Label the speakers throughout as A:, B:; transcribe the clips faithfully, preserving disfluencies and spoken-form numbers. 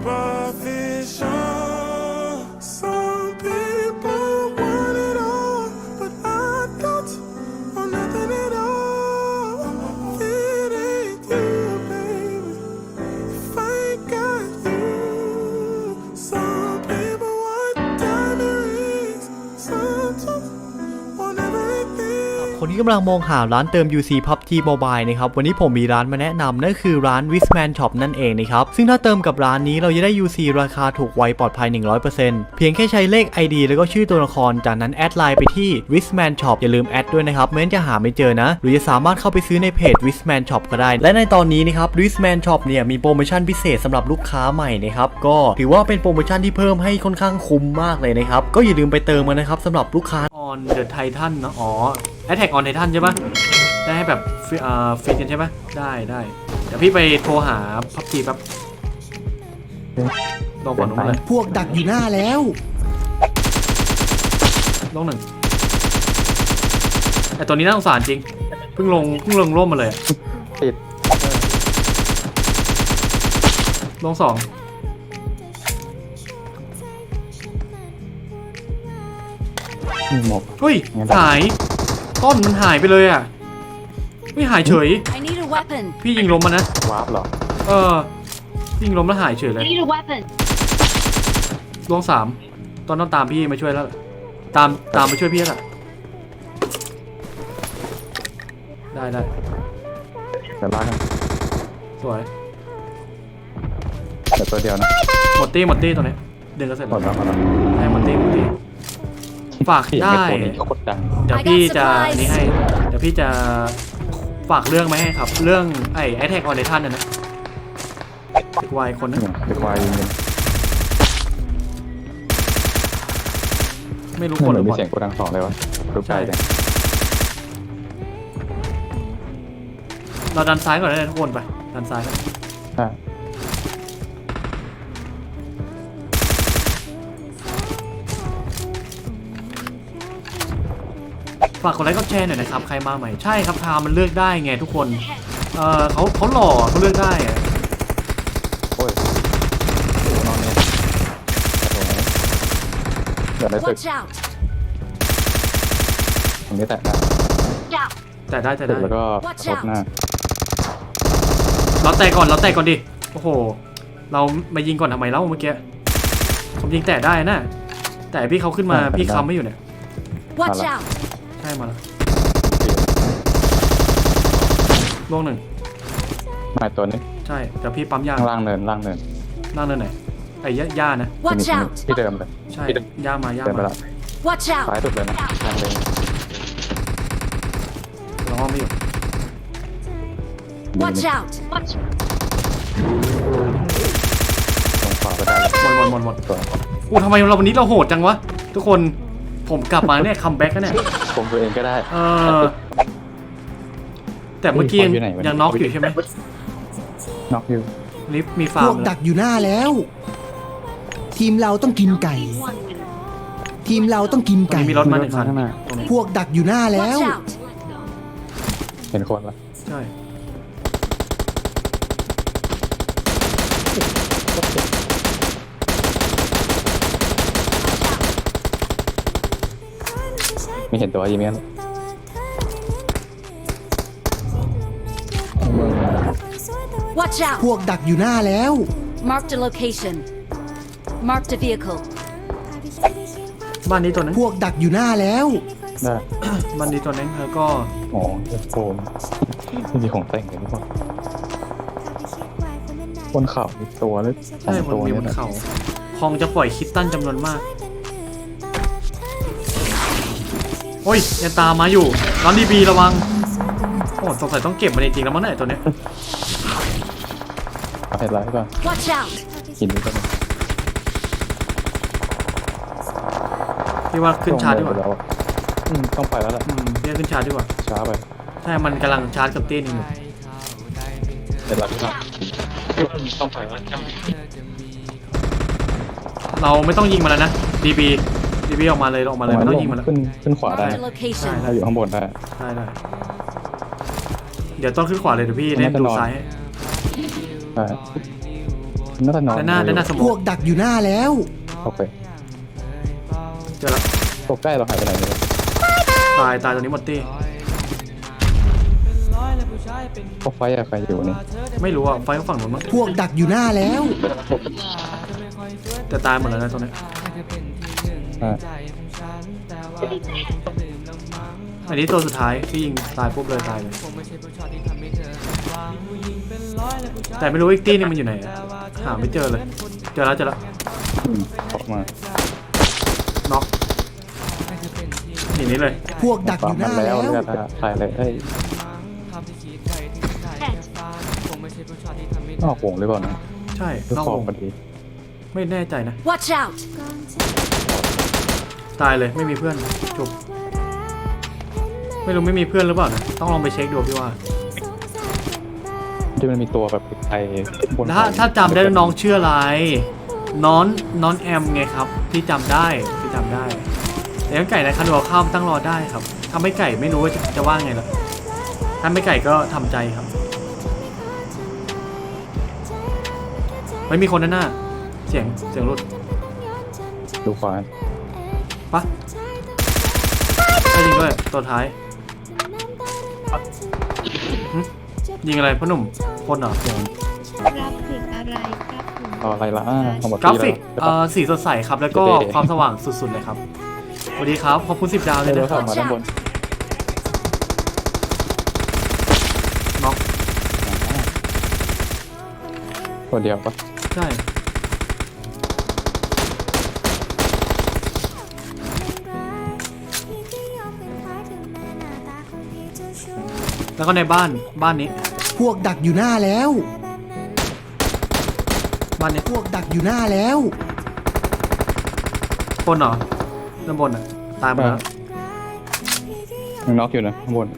A: คนที่กำลังมองหาร้านเติม ยู ซี พับจี Mobile นะครับวันนี้ผมมีร้านมาแนะนำนั่นคือร้าน Wisman Shop นั่นเองนะครับซึ่งถ้าเติมกับร้านนี้เราจะได้ ยู ซี ราคาถูกไวปลอดภัย หนึ่งร้อยเปอร์เซ็นต์ เพียงแค่ใช้เลข ไอ ดี แล้วก็ชื่อตัวละครจากนั้นแอดไลน์ไปที่ Wisman Shop อย่าลืมแอดด้วยนะครับไม่งั้นจะหาไม่เจอนะหรือจะสามารถเข้าไปซื้อในเพจ Wisman Shop ก็ได้และในตอนนี้นะครับ Wisman Shop เนี่ยมีโปรโมชั่นพิเศษสำหรับลูกค้าใหม่นะครับก็ถือว่าเป็นโปรโมชั่นที่เพิ่มให้ค่อนข้างคุ้มมากเลยนะครับก็อย่าลืมไปเติมกันนะครับสำหรับลูกค้า On the Titan นะอ๋อ Attack on Titan ใช่ปะได้ให้แบบอ่าฟรีกันใช่ปะได้ได้เดี๋ยวพี่ไปโทรหาพับจีแป๊บลองก่อนลงเลย
B: พวกดักอยู่หน้าแล้ว
A: ลงหนึ่งแต่ตัวนี้น่าสงสารจริงเพิ่งลงเพิ่งลงร่มมาเลย
C: ติด
A: ลงสอง
C: หมก
A: เฮ้ยหายต้นมันหายไปเลยอ่ะไม่หายเฉยพี่ยิงล้มมันนะ
C: วาร์ปเหรอ
A: เออยิงล้มแล้วหายเฉยเลยลงสามตอนต้องตามพี่มาช่วยแล้วตามตามมาช่วยพี่แล้วได้ได้
C: เดี๋ยวลากกัน
A: สวย
C: เดี๋ยวตัวเดียวนะ
A: หมดตี้หมดตี้ตัวนี้เดินก็เสร็จ
C: หมดแล้วหมดแล้ว
A: ให้หมดตี้หมดตี้ฝากได้เดี๋ยวพี่จะนี่ให้เดี๋ยวพี่จะฝากเรื่องไหมให้ครับเรื่องไอ้ไอแท็กออนไลน์ท่านน่ะนะเด็กวายคนนึง
C: เด็กวาย
A: ไม่รู้คนหรือ
C: มีเสียงกูดังสองเลยวะรู้ใจจัง
A: เราดันซ้ายก่อนได้ทุกคนไปดันซ้ายกันฝากกดไลค์กดแชร์หน่อยนะครับใครมาใหม่ใช่ครับทามันเลือกได้ไงทุกคนเออเขาเขาหล่อเขาเลือกได้อะ
C: โอ้ยโอ้นอนเนี่ยเดี๋ยวได้ตึกตรงนี้แตะได้
A: แต่ได้แต่ได้
C: แล้วก็ลบหน้า
A: เราแตะก่อนเราแตะก่อนดิโอ้โหเรามายิงก่อนทำไมเล่าเมื่อกี้ผมยิงแตะได้นะแต่พี่เขาขึ้นมาพี่ค้ำไม่อยู่เนี่ยใช่มาแล้วลงหนึ่ง
C: มาตัวนี้
A: ใช่แต่พี่ปั๊มยา
C: ล่างเนินล่างเนิน
A: ล่างเนินไหนไอ้ย่านะ
C: ที่เดิมเลย
A: ใช่ย่ามาย่ามา
C: ซ้ายสุดเลยนะล่างเลย
A: เราห้องไม่อยู่
D: Watch out
C: ตรงขวาไปได้
A: หมดหมดหมดหมดอู้ทำไมเราวันนี้เราโหดจังวะทุกคนผมกลับมาเนี่ยคัมแบ็กแล้วเนี่ย
C: ผมตัวเองก็ได้
A: เออแต่เมื่อกี้ยังน็อกอยู่ใช่ไหม
C: น็อกอยู่
A: ลิฟมีฟาร์ม
B: พวกดักอยู่หน้าแล้วทีมเราต้องกินไก่ทีมเราต้องกินไก่
A: มีรถมาหนึ่งคัน
B: พวกดักอยู่หน้าแล้ว
C: เห็นคนละ
A: ใช่
C: ไม่เห็นตัวยิงมั้ย
B: พวกดักอยู่หน้าแล้ว
D: Mark the location Mark the vehicle
A: บ้านนี้ตัวนั้น
B: พวกดักอยู่หน้าแล้ว
C: ได้
A: บ้านนี้ตัวนั้นแล้วก็
C: อ๋อโฟมที่มีของแต่งกันทุกคนบนเขาอีกตัวเลย
A: ใช่บนมีบนเขาคองจะปล่อยคิตตันจำนวนมากโอ้ยยังตามมาอยู่น้องดีบีระวังโอ้สงสัยต้องเก็บมันจริงๆแล้วมั้งเนี่ยตัวเนี้ย
C: เอาเห็ดไรก่อนกินดูกัน
A: พี่ว่าขึ้นชาร์จดีกว่า
C: ต้องไปแล้วแหละ
A: พี่ขึ้นชาร์จดีกว่า
C: ช้าไป
A: ใช่มันกำลังชาร์จกับเต้นอยู่
C: เห็ดไรพี่ครับต้องไปแล้ว
A: เราไม่ต้องยิงมันแล้วนะดีบีดีบีออกมาเลยออกมาเลยไม่ต้องยิงมันแล้ว
C: ขึ้นขึ้นขวาได้ถ้าอยู่ข้างบนได้
A: ได้ได้เดี๋ยวต้องขึ้นขวาเลยเดี๋ยวพี่เล่นดูซ้ายให้
C: น่าจะนอน
A: ด้านหน้าด้านหน้าสม
B: พ
A: อ
B: ว
A: ง
B: กดักอยู่หน้าแล้ว
C: โอเค
A: เจอแล้ว
C: ตัวใกล้เราหายไปไหนเลย
A: ตายตายตรงนี้หมดตี้
C: พวกไฟอะใครอยู่นี่
A: ไม่รู้อ่ะไฟก็ฝั่งนู้นมั้ง
B: พวกดักอยู่หน้าแล้ว
A: แต่ตายหมดแล้วนะตรงนี้
C: อ่า
A: อันนี้ตัวสุดท้ายที่ยิงตายปุ๊บเลยตายเลยแต่ไม่รู้อีกตี้นึงมันอยู่ไหนอะหาไม่เจอเลยเจอแล้วเจอแล้ว
C: อืมออกมา
A: น็อกหนีนี้เลย
B: พวกดักอ
C: ตาม
B: ยู่ห
C: มา
B: น้า
C: แล้ว
B: แล้ว
C: เนี่ยนะถ่ายเลยเอ้ยนอกวงหรือเปล่านะ
A: ใช่
C: หรือน
A: อก
C: ฟอ
A: ว
C: ร์ม
A: ง
C: พอดี
A: ไม่แน่ใจนะ
D: Watch out!
A: ตายเลยไม่มีเพื่อนจบไม่รู้ไม่มีเพื่อนหรือเปล่านะต้องลองไปเช็คดูพี่ว่า
C: ที่มันมีตัวแบบไอ้บน
A: ถ้าถ้าจำได้น้องชื่ออะไรน้อนน้อนแอมไงครับที่จำได้ที่จำได้แต่ยังไก่ในคันหัวข้ามตั้งรอได้ครับถ้าไม่ไก่ไม่รู้ว่าจะจะว่าไงล่ะถ้าไม่ไก่ก็ทำใจครับไม่มีคนด้านหน้าเสียงเสียงรถ
C: ดูขวา
A: ปะได้ยิงด้วยตัวท้ายหึยิงอะไรพ่อหนุ่มคนเหรอ
E: กราฟิกอะไรครับผม
C: เอาอะไรล่ะอ่าเอาหมด
A: กราฟิก
C: แล้ว
A: เอ่อสีสดใสครับแล้วก็ความสว่างสุดๆเลยครับสวัสดีครับขอบคุณสิบดาวเลย
C: เดี๋ยว
A: นะค
C: ขั
A: รั
C: บบ มาด้านบน
A: น็อก
C: ตัวเดียวปะ
A: ใช่แล้วก็ในบ้านบ้านนี้
B: พวกดักอยู่หน้าแล้ว
A: บ้านนี้
B: พวกดักอยู่หน้าแล้ว
A: คนเหรอด้านบนอ่ะตายหมดแล้ว
C: ยังน็อกอยู่นะข้างบน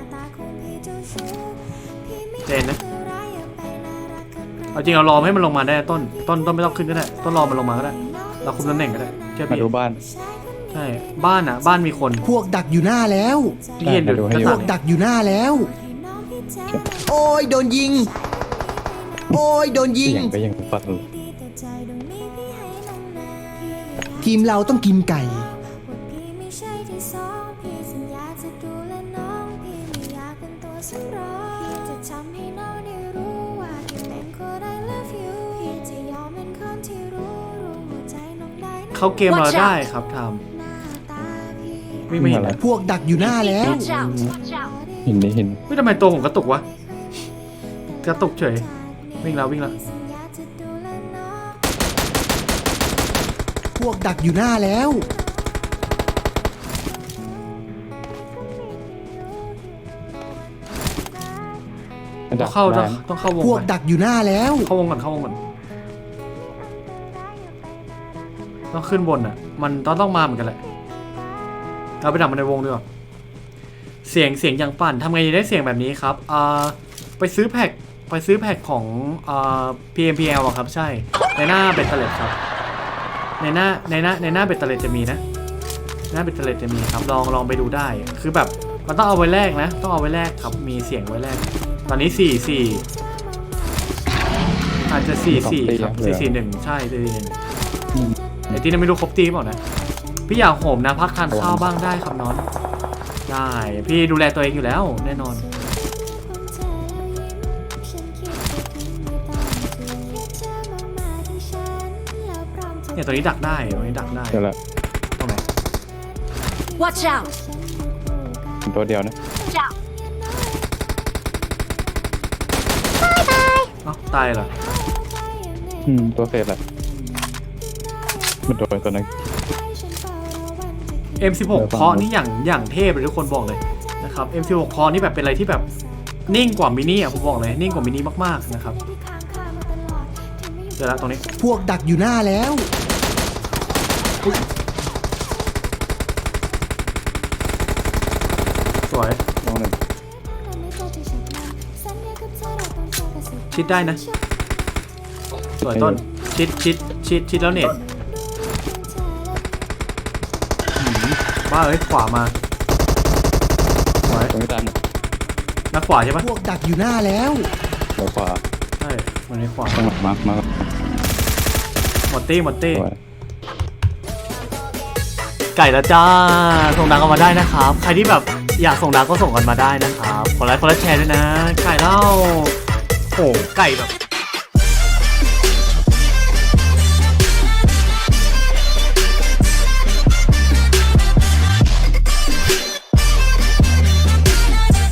A: เจนนะเอาจริงเรารอให้มันลงมาได้ต้นต้นต้นไม่ต้องขึ้นก็ได้ต้นรอมันลงมาก็ได้เราคุมตำแหน่งก็ได้เชื่อ
C: มา
A: พี่
C: ดูบ้าน
A: ใช่บ้านอ่ะบ้านมีคน
B: พวกดักอยู่หน้าแล้ว
A: ที่เห็นอยู่
C: ให้
A: หน้า
C: ดู
B: พว
A: ต่าก ง
B: ดักอยู่หน้าแล้ว โอ้ยโดนยิง โอ้ยโดนยิง
C: เสียงก็ยังฟังเลย
B: ทีมเราต้องกินไก่
A: เข้าเกมเราได้ครับทำวิ่งไม่เห็นนะ
B: พวกดักอยู่หน้าแล้ว
D: Watch out! Watch out!
C: หินนี่หิน
A: ไม่ทำไมตัวผมกระตุกวะกระตุกเฉยวิ่งแล้ววิ่งแล้ว
B: พวกดักอยู่หน้าแล้ว
C: มัน
A: ต้
C: ดั
A: อก งเข้าต้
C: ได้
A: องต้องเข้าวง
B: พวก
A: ก่อน
B: ดักอยู่หน้าแล้ว
A: เข้าวงก่อนเข้าวงก่อนต้องขึ้นบนอ่ะ มันต้องต้องมาเหมือนกันแหละเราไปดักมันในวงดีกว่าเสียงเสียงอย่างปั่นทำไงจะได้เสียงแบบนี้ครับอ่าไปซื้อแพ็คไปซื้อแพ็คของอ่า พี เอ็ม พี แอล อะครับใช่ในหน้าเบ็ดเตล็ดครับในหน้าในหน้าในหน้าเบ็ดเตล็ดจะมีนะหน้าเบ็ดเตล็ดจะมีครับลองลองไปดูได้ คือแบบมันต้องเอาไว้แลกนะ ต้องเอาไว้แลกครับมีเสียงไว้แลกตอนนี้สี่สี่อาจจะสี่สี่ครับสี่สี่หนึ่งใช่สี่สี่หนึ่ง
C: อืม
A: ไอ้ที่นั่นไม่รู้ครบตีเปล่านะพี่อยากโหมนะพักทานข้าวบ้างได้ครับน้องได้พี่ดูแลตัวเองอยู่แล้วแน่นอนเนี่ยตัวนี้ดักได้ตัวนี้ดักได้
C: เดี๋ยวละ
A: ตรงไหน
D: Watch out!
C: ตัวเดียวนะ
D: Watch out!
A: เอ้าตายเหรอ
C: อืมตัวเศษแหละมันโดนตัวนึง
A: เอ็ม สิบหก เคาะนี่อย่างอย่างเทพเลยทุกคนบอกเลยนะครับ เอ็ม สิบหก เคาะนี่แบบเป็นอะไรที่แบบนิ่งกว่ามินิอ่ะผมบอกเลยนิ่งกว่ามินิมากๆนะครับเจอแล้วตรงนี้
B: พวกดักอยู่หน้าแล้ว
A: สวย
C: ตัวหนึ่ง
A: ชิดได้นะสวยต้นชิดชิดชิดชิดแล้วเน็ตบ้าเอ้ยขวามาสวย
C: ตรงนี้ตามหนึ่ง
A: นักขวาใช่ปะ
B: พวกดักอยู่หน้าแล้ว
C: เดี๋ยวขวา
A: ใช่มันมีขวา
C: ข้างหลังมามา
A: หมดตี้หมดตี้
C: สวย
A: ไก่แล้วจ้าส่งดังกันมาได้นะครับใครที่แบบอยากส่งดังก็ส่งกันมาได้นะครับคนไลค์คนละแชร์ด้วยนะไก่เล่าโอ้ไก่แบบ